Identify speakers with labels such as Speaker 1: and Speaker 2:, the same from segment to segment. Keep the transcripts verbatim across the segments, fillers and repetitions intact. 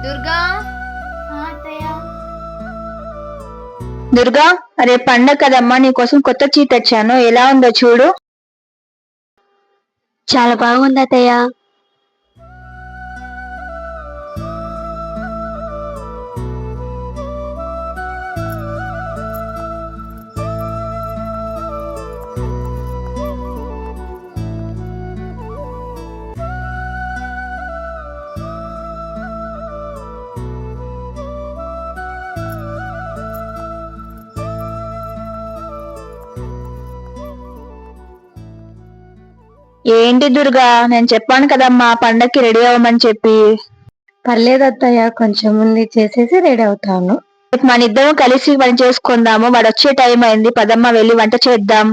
Speaker 1: దుర్గా
Speaker 2: దుర్గా, రేపు పండగ కదమ్మా, నీకోసం కొత్త చీ తెచ్చాను. ఎలా ఉందో చూడు.
Speaker 3: చాలా బాగుంది అత్తయ్య.
Speaker 2: ఏంటి దుర్గా, నేను చెప్పాను కదమ్మా పండక్కి రెడీ అవ్వమని చెప్పి.
Speaker 3: పర్లేదు అత్తయ్య, కొంచెం ముందు చేసేసి రెడీ అవుతాను.
Speaker 2: రేపు మన ఇద్దరం కలిసి పని చేసుకుందాము. వాడు వచ్చే టైం అయింది, పదమ్మ వెళ్ళి వంట చేద్దాం.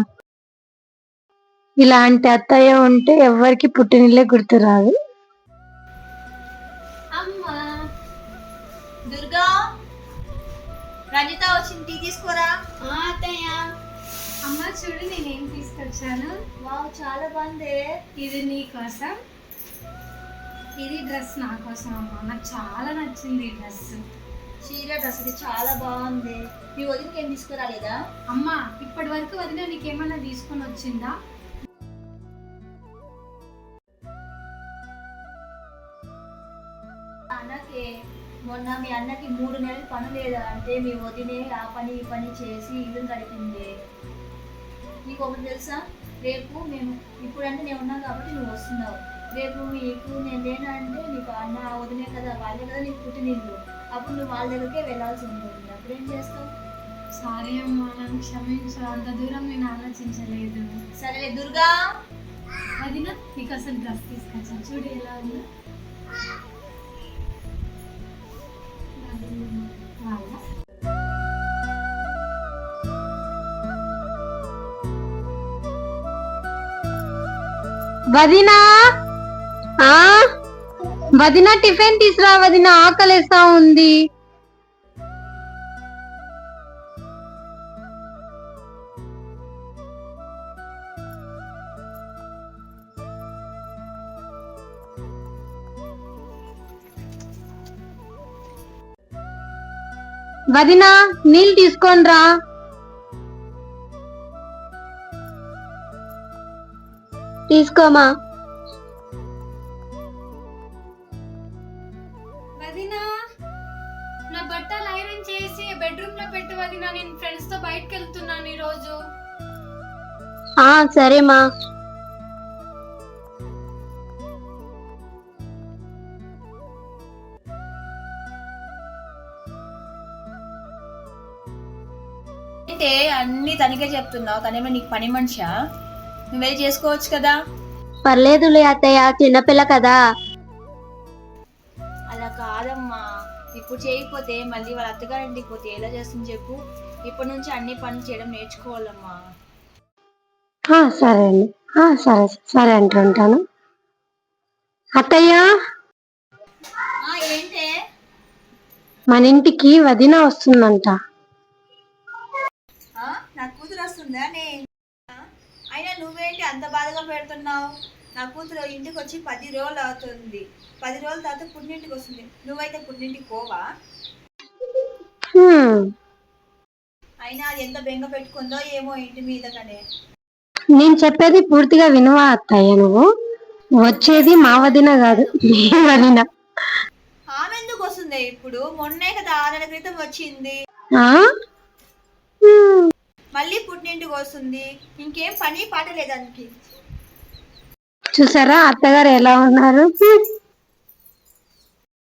Speaker 3: ఇలాంటి అత్తయ్య ఉంటే ఎవరికి పుట్టినిల్లే గుర్తురాదు.
Speaker 1: అమ్మా దుర్గా, రంజిత వచ్చింది, టీ తీసుకోరా.
Speaker 4: అత్తయ్య, అమ్మ చూడు నేనేం తీసుకొచ్చాను.
Speaker 1: వావ్, చాలా బాగుంది.
Speaker 4: ఇది నీ కోసం, ఇది డ్రెస్ నా కోసం అమ్మ. నాకు చాలా నచ్చింది ఈ డ్రెస్.
Speaker 1: చీర డ్రెస్ ఇది చాలా బాగుంది. మీ వదినకి ఏం తీసుకురాలేదా?
Speaker 4: అమ్మ, ఇప్పటి వరకు వదిన నీకేమన్నా తీసుకొని వచ్చిందా?
Speaker 1: అన్నకి మొన్న మీ అన్నకి మూడు నెలలు పని లేదా అంటే మీ వదినే ఆ పని ఈ పని చేసి ఇల్లు గడిపింది. నీకు ఒకటి తెలుసా, రేపు మేము ఇప్పుడంటే నేను ఉన్నాను కాబట్టి నువ్వు వస్తున్నావు. రేపు మీకు నేను లేనంటే నీకు అన్న వదినే కదా, వాళ్ళే కదా నీకు పుట్టినిల్లు. అప్పుడు నువ్వు వాళ్ళ దగ్గరికే వెళ్ళాల్సి ఉంటుంది. అప్పుడు ఏం చేస్తావు?
Speaker 4: సారీ అమ్మ, నన్ను క్షమించు. అంత దూరం నేను ఆలోచించలేదు.
Speaker 1: సరే దుర్గా,
Speaker 4: వదిన నీకు అసలు డ్రెస్ తీసుకొచ్చాను, చూడు ఎలా ఉందో.
Speaker 3: వదినా, ఆ వదినా టిఫిన్ తీసురా వదినా, ఆకలేస్తా ఉంది. వదినా, నీళ్ళు తీసుకొని రా. తీసుకోమా.
Speaker 4: వదినా, నా బట్టలు ఐరన్ చేసి బెడ్రూమ్ లో పెట్టు వదినా. నేను ఫ్రెండ్స్ తో బయటకు వెళ్తున్నాను ఈ రోజు.
Speaker 3: ఆ సరేమా.
Speaker 1: అంటే అన్ని తనకే చెప్తున్నావు. తనేమో నీకు పని మనిషా? నువ్వే చేసుకోవచ్చు కదా.
Speaker 3: పర్లేదులే అత్తయ్య, చిన్నపిల్ల కదా.
Speaker 1: అలా కాదమ్మా, ఇప్పుడు చేయకపోతే మళ్ళీ వాళ్ళ అత్తగారింటికి పోతే ఎలా చేస్తుంది చెప్పు. ఇప్పటి నుంచి అన్ని పనులు చేయడం నేర్చుకోవాలమ్మా.
Speaker 3: సరే అండి, సరే సరే అంటుంటాను. అత్తయ్య,
Speaker 1: ఏంటే?
Speaker 3: మన ఇంటికి వదిన వస్తుందంట.
Speaker 1: నా కూతురు వస్తుందా? అయినా నువ్వేంటి అంత బాధగా పెడుతున్నావు? నా కూతురు ఇంటికి వచ్చి పది రోజులు అవుతుంది. పది రోజుల తర్వాత పుట్టింటికి వస్తుంది. నువ్వైతే పుట్టింటికి పోవా? అయినా అది ఎంత బెంగ పెట్టుకుందో ఏమో ఇంటి మీద. కానీ
Speaker 3: నేను చెప్పేది పూర్తిగా వినువా అత్తయ్య. నువ్వు వచ్చేది మా వదిన కాదు, మీ వదిన.
Speaker 1: ఆమె ఎందుకు వస్తుంది ఇప్పుడు? మొన్నే కదా ఆరు నెలల క్రితం వచ్చింది. మళ్ళీ పుట్టింటికి వస్తుంది. ఇంకేం పని పాట లేదానికి.
Speaker 3: చూసారా అత్తగారు ఎలా ఉన్నారు?